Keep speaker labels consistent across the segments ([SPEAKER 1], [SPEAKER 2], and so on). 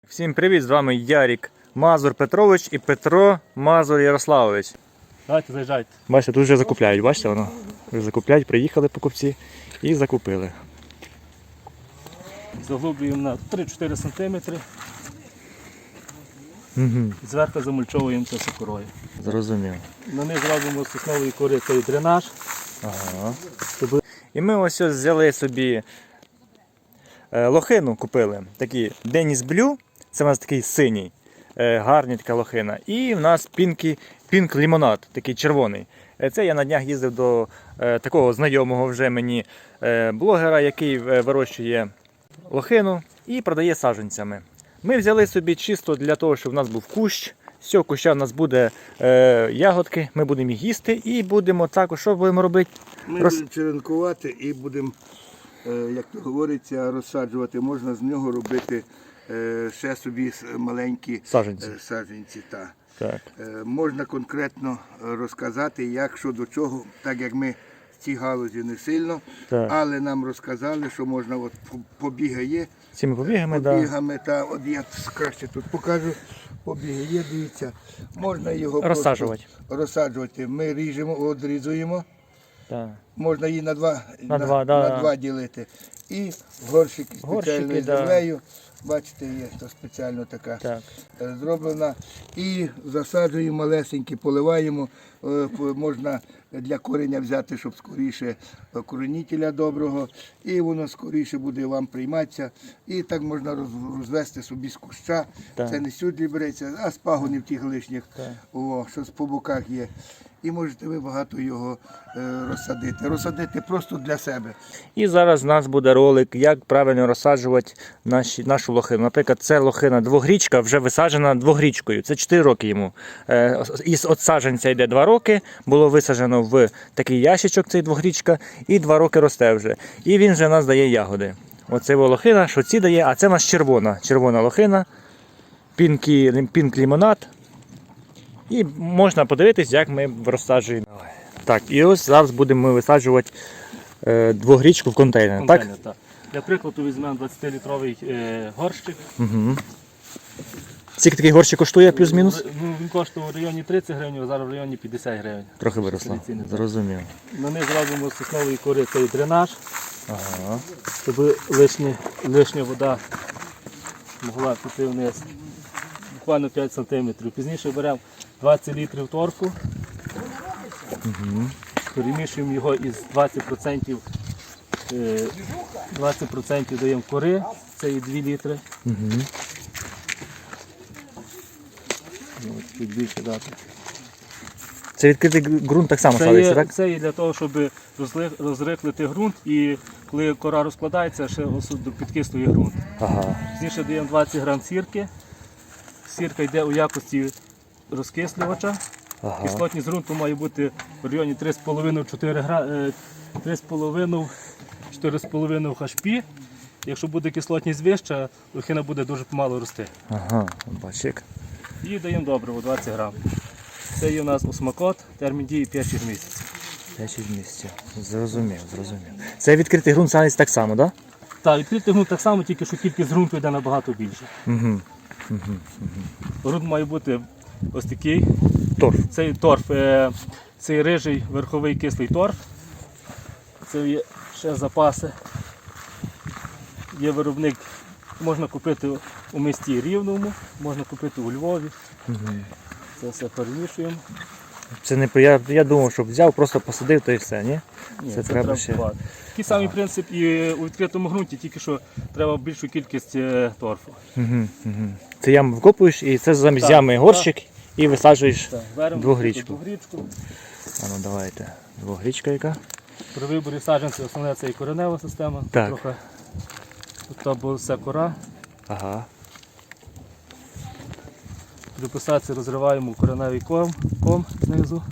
[SPEAKER 1] Всім привіт, з вами Ярік Мазур Петрович і Петро Мазур Ярославович.
[SPEAKER 2] Давайте, заїжджайте.
[SPEAKER 1] Бачите, тут вже закупляють, бачите воно? Вже закупляють, приїхали покупці і закупили.
[SPEAKER 2] Заглублюємо на 3-4 см.
[SPEAKER 1] Угу.
[SPEAKER 2] Зверху замульчовуємо це сокорою.
[SPEAKER 1] Зрозумів.
[SPEAKER 2] На них зробимо з соснової кори цей дренаж.
[SPEAKER 1] Ага. І ми ось взяли собі лохину, купили. Такий Деніс Блю, це у нас такий синій, гарний така лохина. І в нас пінк лімонад, такий червоний. Це я на днях їздив до такого знайомого вже мені блогера, який вирощує лохину і продає саджанцями. Ми взяли собі чисто для того, щоб у нас був кущ. З цього куща у нас буде ягодки, ми будемо їх їсти і будемо також, що будемо робити?
[SPEAKER 3] Ми будемо черенкувати і будемо, як то говориться, розсаджувати. Можна з нього робити ще собі маленькі саджанці.
[SPEAKER 1] Так.
[SPEAKER 3] Можна конкретно розказати, як, що до чого, так як ми в цій галузі не сильно, але нам розказали, що можна, от побіги є.
[SPEAKER 1] Цими побігами,
[SPEAKER 3] та, от я краще тут покажу. Побіги є, дивіться, можна його розсаджувати. Ми ріжемо, одрізуємо, можна її на два ділити. І горщики спеціальною землею, бачите, є то спеціально така зроблена. І засаджуємо малесенькі, поливаємо, можна для кореня взяти, щоб скоріше коренителя доброго, і воно скоріше буде вам прийматися. І так можна розвести собі з куща. Це не сюди береться, а з пагонів тих лишніх, що по боках є. І можете ви багато його розсадити. Розсадити просто для себе.
[SPEAKER 1] І зараз у нас буде ролик, як правильно розсаджувати нашу лохину. Наприклад, це лохина двогрічка, вже висаджена двогрічкою. Це 4 роки йому. Із саджанця йде 2 роки, було висаджено в такий ящичок, цей двогрічка, і 2 роки росте вже. І він вже у нас дає ягоди. Оце лохина, що ці дає, а це у нас червона лохина, пінк лімонад. І можна подивитись, як ми розсаджуємо. Так, і ось зараз будемо ми висаджувати двогрічку в контейнер. Так?
[SPEAKER 2] Для прикладу візьмемо 20-літровий горщик.
[SPEAKER 1] Угу. Скільки такий горщик коштує плюс-мінус?
[SPEAKER 2] Він коштував в районі 30 гривень, а зараз в районі 50 гривень.
[SPEAKER 1] Трохи виросло. Зрозумів.
[SPEAKER 2] На них зробимо з соснової кори цей дренаж, щоб лишня вода могла піти вниз. Буквально 5 см. Пізніше беремо 20 літрів торфу, перемішуємо його із 20%, 20% даємо кори, це і 2 літри. Чуть більше дати.
[SPEAKER 1] Це відкритий ґрунт так само садиться, так?
[SPEAKER 2] Це є для того, щоб розрихлити ґрунт, і коли кора розкладається, ще підкислює ґрунт. Пізніше даємо 20 грам сірки. Сірка йде у якості розкислювача. Кислотність ґрунту має бути в районі 3,5-4,5 хашпі. Якщо буде кислотність вища, лохина буде дуже помало рости.
[SPEAKER 1] Бачик.
[SPEAKER 2] І даємо добриво 20 грам. Це є у нас осмакот, термін дії 5-6 місяців.
[SPEAKER 1] 5-6 місяців. Зрозумів. Це відкритий ґрунт садиться так само, так?
[SPEAKER 2] Так, відкритий ґрунт так само, тільки що кількість ґрунту йде набагато більше. Ґрунт має бути ось такий. Цей торф, цей рижий верховий кислий торф. Це є ще запаси. Є виробник, можна купити у місті Рівному, можна купити у Львові. Це все перемішуємо.
[SPEAKER 1] Це не я думав, щоб взяв, просто посадив, то і все, ні?
[SPEAKER 2] Це треба ще. Такий самий принцип і у відкритому ґрунті, тільки що треба більшу кількість торфу.
[SPEAKER 1] Це яму вкопуєш і це замість ями горщик і висаджуєш двогрічку. Ну давайте, двогрічка яка?
[SPEAKER 2] При виборі саджанців основне це і коренева система.
[SPEAKER 1] Так.
[SPEAKER 2] Тут була вся кора. При посадці розриваємо кореневий ком знизу.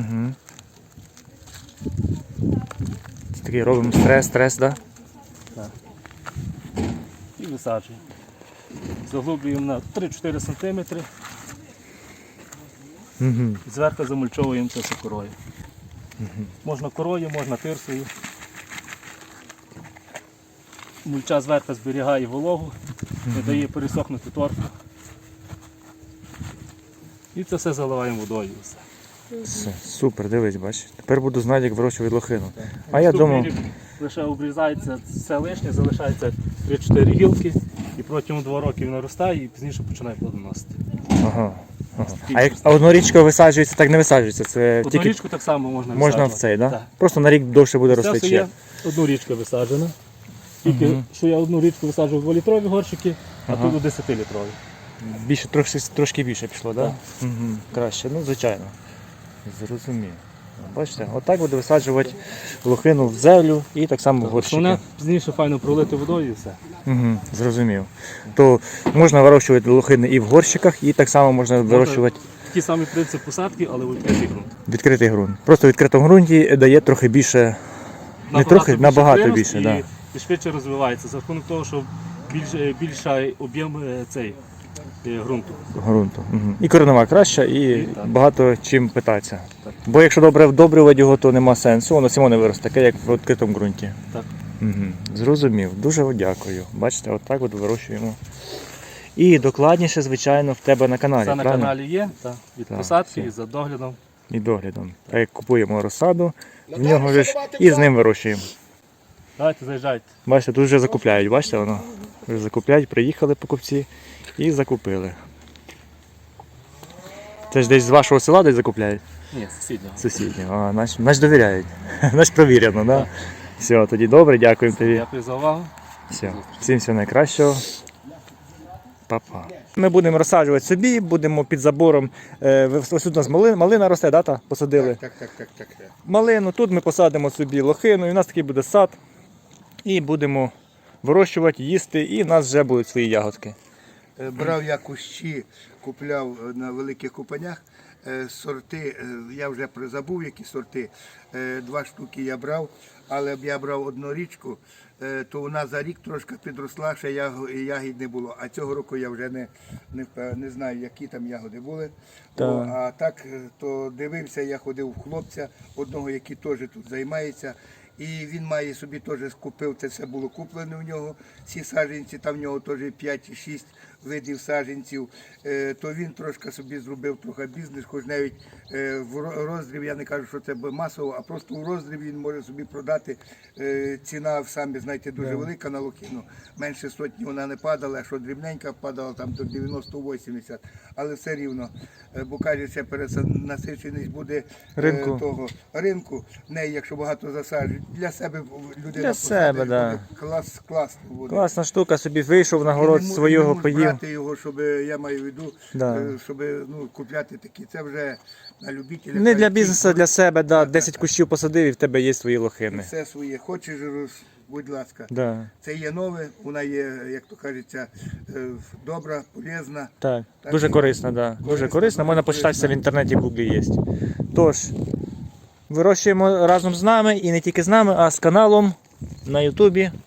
[SPEAKER 1] Це такий робимо стрес, так?
[SPEAKER 2] Так. І висаджуємо. Заглублюємо на 3-4 см. Зверху замульчовуємо це корою. Можна корою, можна тирсою. Мульча зверху зберігає вологу, не дає пересохнути торфу. І це все заливаємо водою. і Все.
[SPEAKER 1] Все, супер, дивись, бачиш. Тепер буду знати, як вирощувати лохину. А я
[SPEAKER 2] Наступний
[SPEAKER 1] думав,
[SPEAKER 2] рік лише обрізається все лишнє, залишається 3-4 гілки і протягом 2 років наростає і пізніше починає плодоносити.
[SPEAKER 1] ага. А однорічка висаджується, так не висаджується. Це
[SPEAKER 2] Одну
[SPEAKER 1] тільки
[SPEAKER 2] річку так само можна
[SPEAKER 1] можна в
[SPEAKER 2] висаджувати.
[SPEAKER 1] цей, да?
[SPEAKER 2] Так.
[SPEAKER 1] Просто на рік довше буде
[SPEAKER 2] Це
[SPEAKER 1] рости.
[SPEAKER 2] все
[SPEAKER 1] Чи?
[SPEAKER 2] є одну річку висаджена. Тільки що я одну річку висаджував 2-літрові горщики, а тут 10-літрові.
[SPEAKER 1] Більше, трошки більше пішло, так? Да? Угу. Краще, ну звичайно. Зрозумів. Бачите, отак буде висаджувати лохину в землю і так само в горщики.
[SPEAKER 2] Основне пізніше файно пролити водою і все.
[SPEAKER 1] Угу, зрозумів. То можна вирощувати лохини і в горщиках, і так само можна вирощувати
[SPEAKER 2] Такий самий принцип посадки, але в відкритий ґрунт.
[SPEAKER 1] відкритий ґрунт. Просто в відкритому ґрунті дає трохи більше, набагато більше. Да.
[SPEAKER 2] І швидше розвивається за рахунок того, що більший об'єм ґрунту.
[SPEAKER 1] Ґрунту. Угу. І коренева краща, і
[SPEAKER 2] так.
[SPEAKER 1] багато чим питатися.
[SPEAKER 2] Так.
[SPEAKER 1] Бо якщо добре вдобрювати його, то нема сенсу, воно само не виросте, таке як в відкритому ґрунті.
[SPEAKER 2] Так.
[SPEAKER 1] Угу. Зрозумів. Дуже дякую. Бачите, отак от вирощуємо. І докладніше, звичайно, в тебе на каналі.
[SPEAKER 2] Це на
[SPEAKER 1] правильно?
[SPEAKER 2] каналі є, так, від
[SPEAKER 1] Так,
[SPEAKER 2] посадки
[SPEAKER 1] все.
[SPEAKER 2] і за доглядом.
[SPEAKER 1] І доглядом. Так як купуємо розсаду, в нього ж і з ним вирощуємо.
[SPEAKER 2] Давайте заїжджайте.
[SPEAKER 1] Бачите, тут вже закупляють, бачите воно? Вже закупляють, приїхали покупці і закупили. Це ж десь з вашого села десь закупляють?
[SPEAKER 2] Ні, сусіднього.
[SPEAKER 1] Сусіднього. А, значить довіряють. Значить провірено, так? Да?
[SPEAKER 2] Так.
[SPEAKER 1] Все, тоді добре, дякуємо тобі.
[SPEAKER 2] Дякую за увагу.
[SPEAKER 1] Все. Всім всього найкращого. Па-па. Ми будемо розсаджувати собі, будемо під забором. Ось тут у нас малина росте, да, та? Посадили.
[SPEAKER 3] Так.
[SPEAKER 1] Малину, тут ми посадимо собі лохину, і у нас такий буде сад. І будемо вирощувати, їсти, і в нас вже будуть свої ягодки.
[SPEAKER 3] Брав я кущі, купляв на великих купанях. Сорти, я вже забув, які сорти. 2 штуки я брав, але б я брав одну річку, то вона за рік трошки підросла, ще ягід не було. А цього року я вже не знаю, які там ягоди були.
[SPEAKER 1] Так.
[SPEAKER 3] А так, то дивився, я ходив в хлопця, одного, який теж тут займається. І він має собі теж купив, це все було куплене в нього, всі саджанці, там в нього теж 5-6 видів саджанців, то він трошки собі зробив трохи бізнес, хоч навіть в роздріб, я не кажу, що це масово, а просто в роздріб він може собі продати. Ціна, самі знаєте, дуже велика на лохину, менше сотні вона не падала, а що дрібненька падала там до 90-80, але все рівно, бо каже, це перенасиченість буде того ринку, в неї, якщо багато засаджують, для себе людина
[SPEAKER 1] себе,
[SPEAKER 3] посадить,
[SPEAKER 1] да.
[SPEAKER 3] буде класно буде.
[SPEAKER 1] Класна штука, собі вийшов на город
[SPEAKER 3] І не
[SPEAKER 1] свого
[SPEAKER 3] можуть
[SPEAKER 1] поїв.
[SPEAKER 3] брати його, щоб, я маю в виду,
[SPEAKER 1] Да.
[SPEAKER 3] щоб купляти такі. Це вже на любителя.
[SPEAKER 1] Не для бізнесу, а для себе, да. 10 кущів посадив і в тебе є свої лохини.
[SPEAKER 3] Все своє. Хочеш, будь ласка.
[SPEAKER 1] Да.
[SPEAKER 3] Це є нове, вона є, як то кажеться, добра, полезна.
[SPEAKER 1] Так,
[SPEAKER 3] Так,
[SPEAKER 1] дуже
[SPEAKER 3] і-
[SPEAKER 1] корисна, да. Дуже
[SPEAKER 3] Корисна,
[SPEAKER 1] корисна, можна
[SPEAKER 3] дуже
[SPEAKER 1] почитатися в
[SPEAKER 3] корисна.
[SPEAKER 1] інтернеті, в гуглі є. Тож, вирощуємо разом з нами і не тільки з нами, а з каналом на Ютубі